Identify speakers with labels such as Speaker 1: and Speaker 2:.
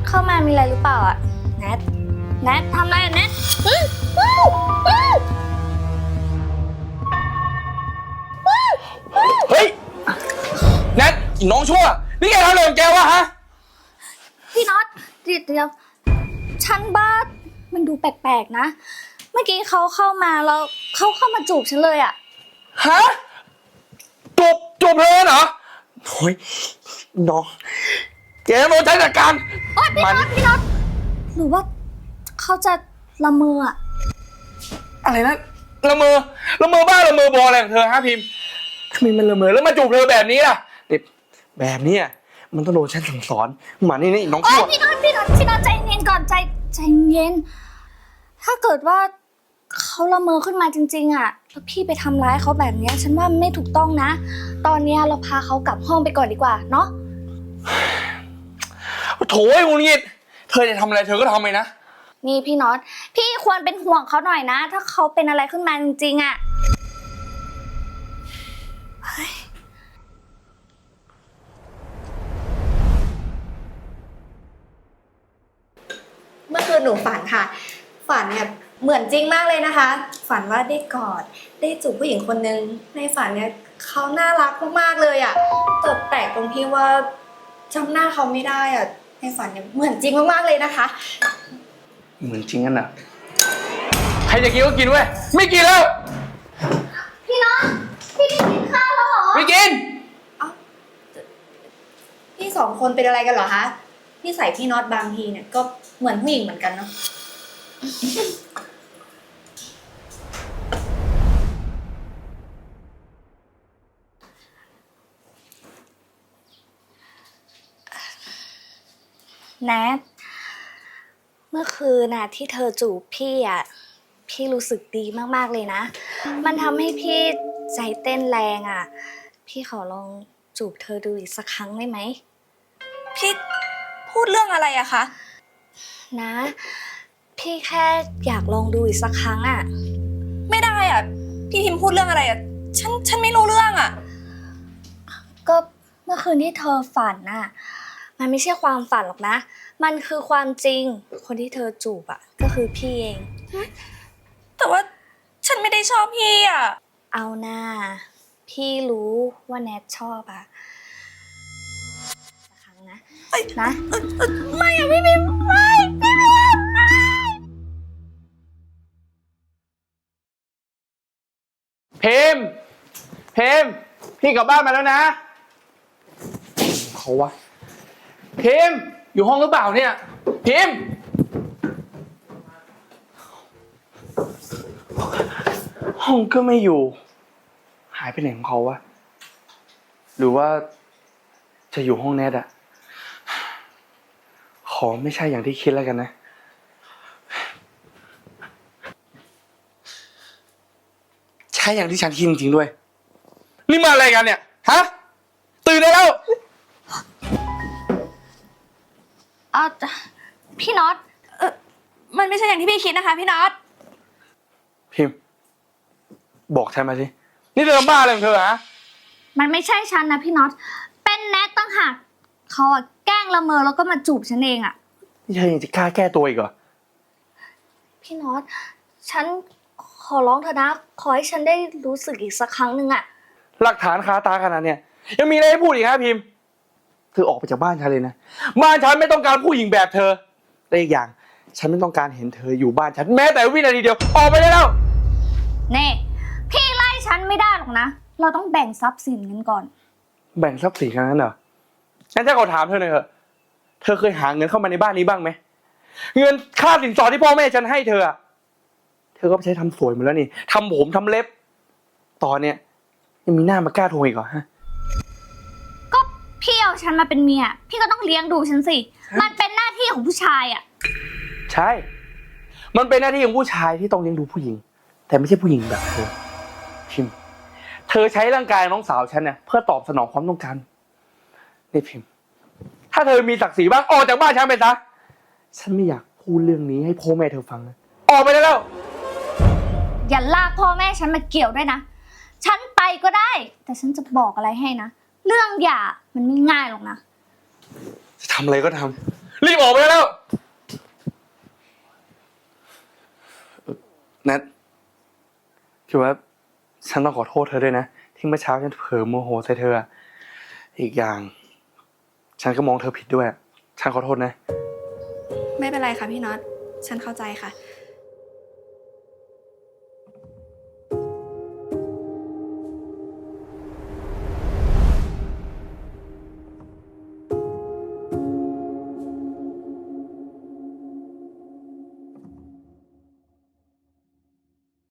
Speaker 1: เข้ามามีอะไรหรือเปล่าอะแนททำอะไรอะแนท
Speaker 2: เฮ้ยแนทน้องชั่วนี่แกทำอะไรของแกวะฮะ
Speaker 1: พี่น็อตเดี๋ยวฉันบ้ามันดูแปลกๆนะเมื่อกี้เขาเข้ามาแล้วเขาเข้ามาจูบฉันเลยอะ
Speaker 2: ฮะจูบเลยเหรอโอ้ยน้องแกโดนใช้จัดการ
Speaker 1: โอ๊ยพี่น็อตหรือว่าเขาจะละเมออะ
Speaker 2: อะไรนะละเมอบ้าละเมอบออะไรของเธอฮะพิมพ์ทำไมมันละเมอแล้วมาจูบเธอแบบนี้ล่ะเด็กแบบนี้มันต้องโดนฉันสั่งสอนมานี่น้องชั่ว
Speaker 1: พี่น็อตใจเย็นก่อนใจเย็นถ้าเกิดว่าเขาละเมอขึ้นมาจริงๆอะแล้วพี่ไปทำร้ายเขาแบบนี้ฉันว่าไม่ถูกต้องนะตอนนี้เราพาเขากลับห้องไปก่อนดีกว่าเนาะ
Speaker 2: โถ่ไอ้งูงิดเธอจะทำอะไรเธอก็ทำไปนะ
Speaker 1: นี่พี่น็อตพี่ควรเป็นห่วงเขาหน่อยนะถ้าเขาเป็นอะไรขึ้นมาจริงๆอะ
Speaker 3: เมื่อคืนหนูฝันค่ะฝันเนี่ยเหมือนจริงมากเลยนะคะฝันว่าได้กอดได้จูบผู้หญิงคนนึงในฝันเนี่ยเขาน่ารักมากๆเลยอ่ะแต่แปลกตรงที่ว่าจำหน้าเขาไม่ได้อ่ะในฝันเนี่ยเหมือนจริงมากๆเลยนะคะ
Speaker 2: เหมือนจริงกันนะใครจะกินก็กินเว้ยไม่กินแล้ว
Speaker 1: พี่น็อตพี่ไม่กินข้าวแล้วเหรอ
Speaker 2: ไม่กิน
Speaker 3: พี่สองคนเป็นอะไรกันเหรอคะพี่ใส่พี่น็อตบางทีเนี่ยก็เหมือนผู้หญิงเหมือนกันเนาะ
Speaker 1: แนทเมื่อคืนน่ะที่เธอจูบพี่อ่ะพี่รู้สึกดีมากๆเลยนะมันทำให้พี่ใจเต้นแรงอ่ะพี่ขอลองจูบเธอดูอีกสักครั้งได้ไหม
Speaker 3: พี่พูดเรื่องอะไรอะคะ
Speaker 1: นะพี่แค่อยากลองดูอีกสักครั้งอ่ะ
Speaker 3: ไม่ได้อะพี่พิมพ์พูดเรื่องอะไรอะฉันไม่รู้เรื่องอะ
Speaker 1: ก็เมื่อคืนที่เธอฝันน่ะมันไม่ใช่ความฝันหรอกนะมันคือความจริงคนที่เธอจูบอ่ะก็คือพี่เอง
Speaker 3: แต่ว่าฉันไม่ได้ชอบพี่อะ
Speaker 1: เอาหน้าพี่รู้ว่าแนทชอบอ่ะสักครั้งนะนะ
Speaker 3: ไม่อะพี่พิมพ์ไม่พี่พิมพ์ไม่
Speaker 2: เพมพี่กลับบ้านมาแล้วนะเขาวะเพมอยู่ห้องหรือเปล่าเนี่ยเพมห้องก็ไม่อยู่หายไปไหนของเขาวะหรือว่าจะอยู่ห้องแนทอะขอไม่ใช่อย่างที่คิดแล้วกันนะใช่อย่างที่ฉันคิดจริงๆด้วยนี่มาอะไรกันเนี่ยฮะตื่นได้แล้ว
Speaker 1: พี่น็อต
Speaker 3: มันไม่ใช่อย่างที่พี่คิดนะคะพี่น็อต
Speaker 2: พิมพ์บอกฉันมาสินี่เธอบ้าอะไรของเธอฮะ
Speaker 1: มันไม่ใช่ฉันนะพี่น็อตเป็นแนทตั้งหากเขาอะแกล้งละเมอแล้วก็มาจูบฉันเองอะ
Speaker 2: นี่เธอยังจะกล้าแก้ตัวอีกเหรอ
Speaker 1: พี่น็อตฉันขอร้องเธอนะขอให้ฉันได้รู้สึกอีกสักครั้งหนึ่งอะ
Speaker 2: หลักฐานคาตาขนาดเนี่ยยังมีอะไรให้พูดอีกฮะพิมพ์เธอออกไปจากบ้านฉันเลยนะบ้านฉันไม่ต้องการผู้หญิงแบบเธอและอีกอย่างฉันไม่ต้องการเห็นเธออยู่บ้านฉันแม้แต่วินาทีเดียวออกไปได้แล้ว
Speaker 1: เน่พี่ไล่ฉันไม่ได้หรอกนะเราต้องแบ่งทรัพย์สินกันก่อน
Speaker 2: แบ่งทรัพย์สินกันนั้นเหรองั้นถ้าขอถามเธอหน่อยเถอะเธอเคยหาเงินเข้ามาในบ้านนี้บ้างไหมเงินค่าสินสอดที่พ่อแม่ฉันให้เธอเธอก็ไปใช้ทำสวยหมดแล้วนี่ทำผมทำเล็บตอนเนี้ยยังมีหน้ามากล้าโทรอีกเหรอฮะ
Speaker 1: ก็พี่เอาฉันมาเป็นเมียพี่ก็ต้องเลี้ยงดูฉันสิมันเป็นหน้าที่ของผู้ชายอะ
Speaker 2: ใช่มันเป็นหน้าที่ของผู้ชายที่ต้องเลี้ยงดูผู้หญิงแต่ไม่ใช่ผู้หญิงแบบเธอพิมพ์เธอใช้ร่างกายน้องสาวฉันเนี่ยเพื่อตอบสนองความต้องการนี่พิมพ์ถ้าเธอมีศักดิ์ศรีบ้างออกจากบ้านฉันไปซะฉันไม่อยากพูดเรื่องนี้ให้พ่อแม่เธอฟังนะออกไปได้แล้ว
Speaker 1: อย่าลากพ่อแม่ฉันมาเกี่ยวด้วยนะฉันไปก็ได้แต่ฉันจะบอกอะไรให้นะเรื่องหย่ามันไม่ง่ายหรอกนะ
Speaker 2: จะทำอะไรก็ทำรีบออกไปได้แล้วนัทคือว่าฉันต้องขอโทษเธอด้วยนะที่เมื่อเช้าฉันเผลอโมโหใส่เธออีกอย่าง ฉันก็มองเธอผิดด้วยฉันขอโทษนะ
Speaker 3: ไม่เป็นไรค่ะพี่น็อต ฉันเข้าใจค่ะ